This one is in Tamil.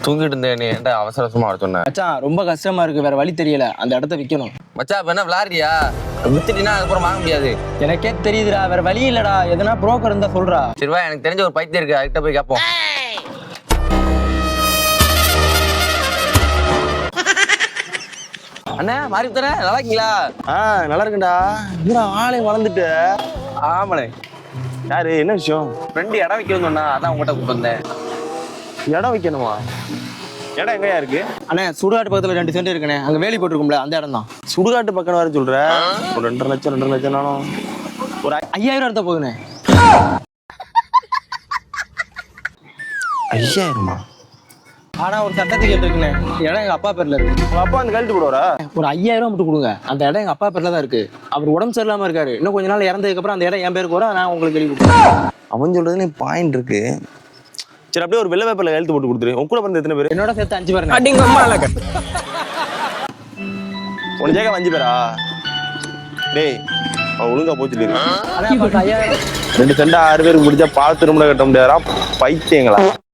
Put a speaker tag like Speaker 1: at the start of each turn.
Speaker 1: தூங்கிட்டு இருந்தேன் நீ ஏன்டா அவசர அவசரமா வர சொன்ன
Speaker 2: மச்சான் ரொம்ப கஷ்டமா இருக்கு, வேற வழி தெரியல, அந்த இடத்த விற்கணும்.
Speaker 1: மச்சா இப்ப என்ன விளாடுறியா? வித்துட்டீங்கன்னா அதுக்கப்புறம் வாங்க முடியாது.
Speaker 2: எனக்கே தெரியுதுடா, வேற வழி இல்லடா, எதனா புரோக்கர் இருந்தா சொல்றா.
Speaker 1: சரிவா, எனக்கு தெரிஞ்ச ஒரு பைத்தியம் இருக்கு, அதுகிட்ட போய் கேட்போம். அண்ணா மாறி தர நல்லா இருக்கீங்களா?
Speaker 3: நல்லா இருக்குண்டா. என்னடா ஆளே வளர்ந்துட்டு.
Speaker 1: ஆமாண்ணே.
Speaker 3: யாரு, என்ன விஷயம்?
Speaker 1: ஃப்ரெண்டு இடம் வைக்கணும்னு சொன்னா, அதான் உங்கள்கிட்ட கூப்பிட்டு வந்தேன்.
Speaker 3: இடம் வைக்கணுமா? இடம் எங்கயா இருக்கு?
Speaker 2: அண்ணே சுடுகாட்டு பக்கத்துல 2 சென்ட் இருக்குண்ணே, அங்க வேலி போட்டிருக்கும்ல அந்த இடம் தான்.
Speaker 3: சுடுகாட்டு பக்கம் வர சொல்ற? ஒரு 2.5 லட்சம் 2.5 லட்சம் நானும்
Speaker 2: ஒரு 5000 எடுத்தா போகுதுண்ணே.
Speaker 3: 5000மா?
Speaker 2: ஆனா ஒரு சட்டத்துக்கு இருக்குண்ணே, இடம் எங்க அப்பா பேர்ல இருக்கு.
Speaker 3: உங்க அப்பா அந்த கழட்டு போடுவாரா?
Speaker 2: ஒரு 5000 மட்டும் கொடுங்க, அந்த இடம் எங்க அப்பா பேர்ல தான் இருக்கு. அவர் உடம்பு சரியில்லாம இருக்காரு, இன்னும் கொஞ்ச நாள் இறந்ததுக்கு அப்புறம் அந்த இடம் என் பேருக்கு வரும், நான் உங்களுக்கு எழுதி கொடுத்துறேன்.
Speaker 3: அவன் சொல்றதுல பாயிண்ட் இருக்கு. சரி, அப்படியே ஒரு வெள்ளை பேப்பர்ல எழுத்து போட்டு கொடுத்துரு. உன் கூட பிறந்த எத்தனை பேர்?
Speaker 2: என்னோட சேர்த்து 5 பேர்.
Speaker 3: உன் ஜேக 5 பேரா? டேய், அவன் ஒழுங்கா போச்சுட்டு
Speaker 2: 5000
Speaker 3: 2 சென்ட் 6 பேருக்கு முடிஞ்சா பால் திரும்ப கட்ட முடியாதா? பைத்தியங்களா?